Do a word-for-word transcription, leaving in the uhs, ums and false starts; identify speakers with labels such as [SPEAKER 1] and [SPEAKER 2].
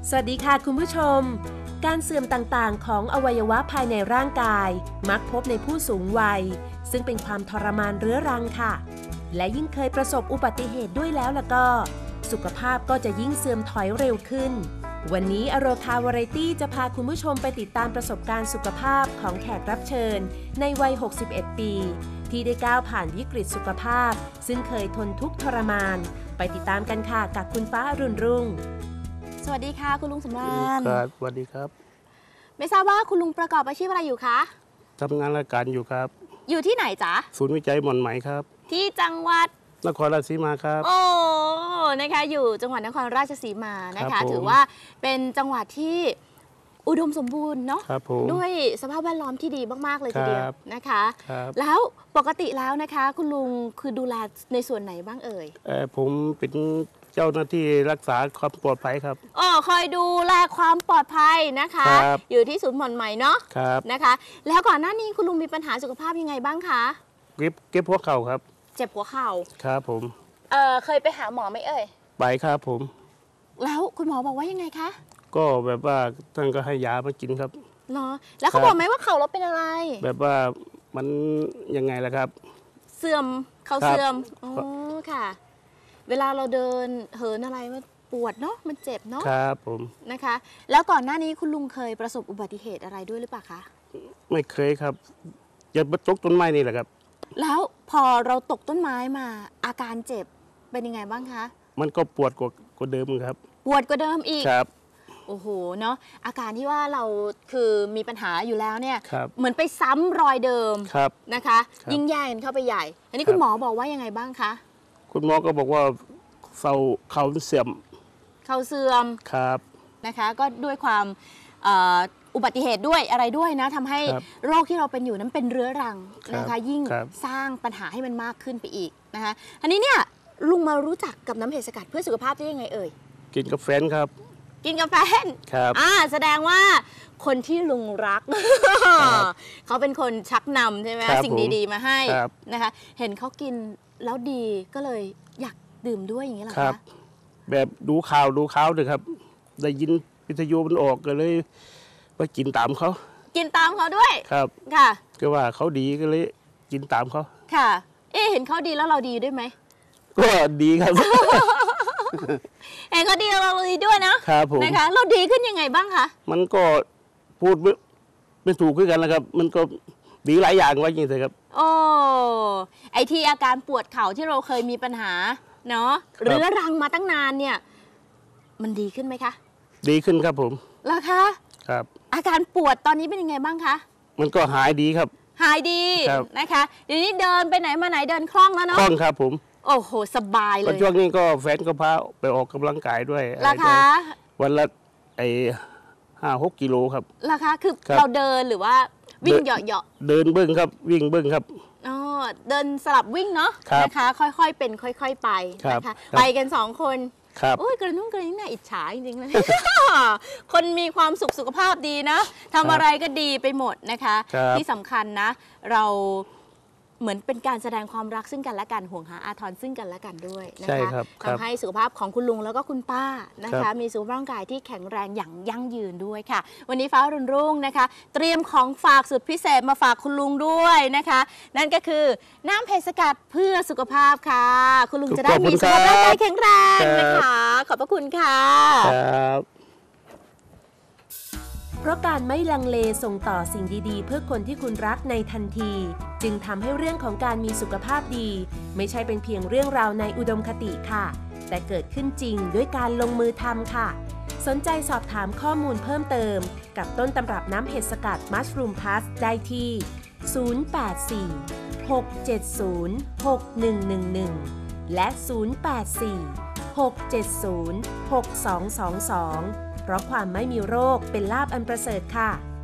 [SPEAKER 1] สวัสดีค่ะคุณผู้ชมการเสื่อมต่างๆของอวัยวะภายในร่างกายมักพบในผู้สูงวัยซึ่งเป็นความทรมานเรื้อรังค่ะและยิ่งเคยประสบอุบัติเหตุด้วยแล้วล่ะก็สุขภาพก็จะยิ่งเสื่อมถอยเร็วขึ้นวันนี้อโรคาวาไรตี้จะพาคุณผู้ชมไปติดตามประสบการณ์สุขภาพของแขกรับเชิญในวัยหกสิบเอ็ดปีที่ได้ก้าวผ่านวิกฤตสุขภาพซึ่งเคยทนทุกข์ทรมานไปติดตามกันค่ะกับคุณฟ้าอรุณรุ่ง
[SPEAKER 2] สวัสดีค่ะคุณลุงสำราญ
[SPEAKER 3] ครับสวัสดีครับ
[SPEAKER 2] ไม่ทราบว่าคุณลุงประกอบอาชีพอะไรอยู่คะ
[SPEAKER 3] ทำงานราชการอยู่ครับ
[SPEAKER 2] อยู่ที่ไหนจ๊ะ
[SPEAKER 3] ศูนย์วิจัยหม่อนไหมครับ
[SPEAKER 2] ที่จังหวัด
[SPEAKER 3] นครราชสีมาครับ
[SPEAKER 2] โอ้นะคะอยู่จังหวัดนครราชสีมานะคะถือว่าเป็นจังหวัดที่อุดมสมบูรณ์เนาะด้วยสภาพแวดล้อมที่ดีมากๆเลยทีเดียวนะคะแล้วปกติแล้วนะคะคุณลุงคือดูแลในส่วนไหนบ้างเอ่ย
[SPEAKER 3] เออผมเป็นเจ้าหน้าที่รักษาความปลอดภัยครับ
[SPEAKER 2] อ๋อคอยดูแลความปลอดภัยนะคะอยู่ที่ศูนย์หม่อนไหมเนาะนะคะแล้วก่อนหน้านี้คุณลุงมีปัญหาสุขภาพยังไงบ้างคะ
[SPEAKER 3] เก็บเก็บหัวเข่าครับ
[SPEAKER 2] เจ็บหัวเข่า
[SPEAKER 3] ครับผม
[SPEAKER 2] เออเคยไปหาหมอไหมเอ่ย
[SPEAKER 3] ไปครับผม
[SPEAKER 2] แล้วคุณหมอบอกว่ายังไงคะ
[SPEAKER 3] ก็แบบว่าท่านก็ให้ยามากินครับ
[SPEAKER 2] เนาะแล้วเขาบอกไหมว่าเข่าเราเป็นอะไร
[SPEAKER 3] แบบว่ามันยังไงล่ะครับ
[SPEAKER 2] เสื่อมเข่าเสื่อมอ๋อค่ะเวลาเราเดินเหินอะไรมันปวดเนาะมันเจ็บเนาะ
[SPEAKER 3] ครับผม
[SPEAKER 2] นะคะแล้วก่อนหน้านี้คุณลุงเคยประสบอุบัติเหตุอะไรด้วยหรือเปล่าคะ
[SPEAKER 3] ไม่เคยครับอย่าตกต้นไม้นี่แหละครับ
[SPEAKER 2] แล้วพอเราตกต้นไม้มาอาการเจ็บเป็นยังไงบ้างคะ
[SPEAKER 3] มันก็ปวดกว่าเดิมครับ
[SPEAKER 2] ปวดกว่าเดิมอีก
[SPEAKER 3] ครับ
[SPEAKER 2] โอ้โหเนาะอาการที่ว่าเราคือมีปัญหาอยู่แล้วเนี่ยเหมือนไปซ้ำรอยเดิมนะคะยิ่งแย่กันเข้าไปใหญ่อันนี้คุณหมอบอกว่ายังไงบ้างคะ
[SPEAKER 3] คุณหมอก็บอกว่าเข่าเข่าเสื่อม
[SPEAKER 2] เข่าเสื่อม
[SPEAKER 3] ครับ
[SPEAKER 2] นะคะก็ด้วยความอุบัติเหตุด้วยอะไรด้วยนะทำให้โรคที่เราเป็นอยู่นั้นเป็นเรื้อรังนะคะยิ่งสร้างปัญหาให้มันมากขึ้นไปอีกนะคะอันนี้เนี่ยลุงมารู้จักกับน้ำเห็ดสกัดเพื่อสุขภาพได้ยังไงเอ่ย
[SPEAKER 3] กินกับแฟนครับ
[SPEAKER 2] กินกับแฟน
[SPEAKER 3] ครับ
[SPEAKER 2] อ่าแสดงว่าคนที่ลุงรักเขาเป็นคนชักนำใช่ไหมสิ่งดีๆมาให้นะคะเห็นเขากินแล้วดีก็เลยอยากดื่มด้วยอย่างนี้เหรอคะ
[SPEAKER 3] แบบดูข่าวดูข่าวเลยครับได้ยินวิทยุมันออกก็เลยไปกินตามเขา
[SPEAKER 2] กินตามเขาด้วย
[SPEAKER 3] ครับ
[SPEAKER 2] ค่ะ
[SPEAKER 3] ก็ว่าเขาดีก็เลยกินตามเขา
[SPEAKER 2] ค่ะเอ๊ะเห็นเขาดีแล้วเราดีด้วยไหม
[SPEAKER 3] ก็ดีครับ
[SPEAKER 2] เห็นเขาดีแล้วเราดีด้วยนะครับ
[SPEAKER 3] ผม
[SPEAKER 2] นะคะเราดีขึ้นยังไงบ้างคะ
[SPEAKER 3] มันก็พูดไม่ถูกขึ้นกันนะครับมันก็ดีหลายอย่างว่าจริงๆครับ
[SPEAKER 2] โอ้ไอที่อาการปวดเข่าที่เราเคยมีปัญหาเนาะเรื้อรังมาตั้งนานเนี่ยมันดีขึ้นไหมคะ
[SPEAKER 3] ดีขึ้นครับผม
[SPEAKER 2] แล้วคะ
[SPEAKER 3] ครับ
[SPEAKER 2] อาการปวดตอนนี้เป็นยังไงบ้างคะ
[SPEAKER 3] มันก็หายดีครับ
[SPEAKER 2] หายดีนะคะเดี๋ยวนี้เดินไปไหนมาไหนเดินคล่องแล้วเนาะ
[SPEAKER 3] คล่องครับผม
[SPEAKER 2] โอ้โหสบายเลย
[SPEAKER 3] ช่วงนี้ก็แฟนก็พาไปออกกำลังกายด้วย
[SPEAKER 2] ราคา
[SPEAKER 3] วันละไอห้าหกกิโลครับ
[SPEAKER 2] ราคาคือเราเดินหรือว่าวิ่งเหยาะ
[SPEAKER 3] ๆเดินเบิ้งครับวิ่งเบิ้งครับ
[SPEAKER 2] อ๋อเดินสลับวิ่งเนาะนะคะค่อยๆเป็นค่อยๆไปนะคะไปกันสองคนโอ้ยกระนุ่งกระนิ่งน่าอิจฉาจริงๆเลยคนมีความสุขสุขภาพดีนะทำอะไรก็ดีไปหมดนะคะที่สำคัญนะเราเหมือนเป็นการแสดงความรักซึ่งกันและกันห่วงหาอาทรซึ่งกันและกันด้วยนะคะทำให้สุขภาพของคุณลุงแล้วก็คุณป้านะคะมีสุขภาพร่างกายที่แข็งแรงอย่างยั่งยืนด้วยค่ะวันนี้ฟ้ารุ่นรุ่งนะคะเตรียมของฝากสุดพิเศษมาฝากคุณลุงด้วยนะคะนั่นก็คือน้ำเห็ดสกัดเพื่อสุขภาพค่ะคุณลุงจะได้มีสุขภาพร่างกายแข็งแรงนะคะขอบพระคุณค่ะ
[SPEAKER 1] เพราะการไม่ลังเลส่งต่อสิ่งดีๆเพื่อคนที่คุณรักในทันทีจึงทำให้เรื่องของการมีสุขภาพดีไม่ใช่เป็นเพียงเรื่องราวในอุดมคติค่ะแต่เกิดขึ้นจริงด้วยการลงมือทำค่ะสนใจสอบถามข้อมูลเพิ่มเติมกับต้นตำรับน้ำเห็ดสกัดมัชรูมพลัสได้ที่ศูนย์ แปด สี่ หก เจ็ด ศูนย์ หก หนึ่ง หนึ่ง หนึ่งและศูนย์ แปด สี่ หก เจ็ด ศูนย์ หก สอง สอง สองเพราะความไม่มีโรคเป็นลาภอันประเสริฐค่ะ